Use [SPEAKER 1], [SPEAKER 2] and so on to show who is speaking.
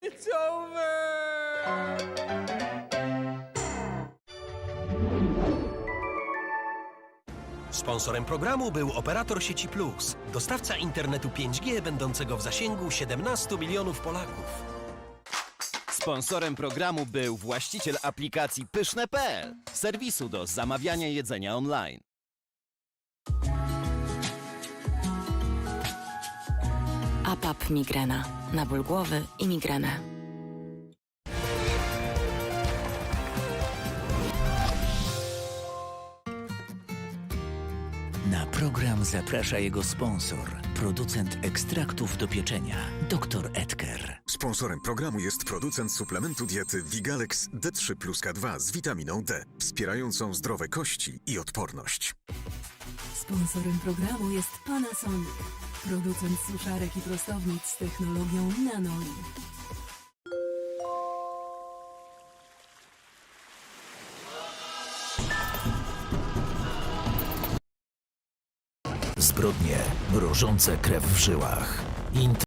[SPEAKER 1] It's over!
[SPEAKER 2] Sponsorem programu był operator sieci Plus, dostawca internetu 5G będącego w zasięgu 17 milionów Polaków.
[SPEAKER 3] Sponsorem programu był właściciel aplikacji Pyszne.pl, serwisu do zamawiania jedzenia online.
[SPEAKER 4] APAP Migrena. Na ból głowy i migrenę.
[SPEAKER 5] Na program zaprasza jego sponsor, producent ekstraktów do pieczenia, dr Edker.
[SPEAKER 6] Sponsorem programu jest producent suplementu diety Vigalex D3 plus K2 z witaminą D, wspierającą zdrowe kości i odporność.
[SPEAKER 7] Sponsorem programu jest Panasonic, producent suszarek i prostownic z technologią Nanolin.
[SPEAKER 5] Zbrodnie mrożące krew w żyłach.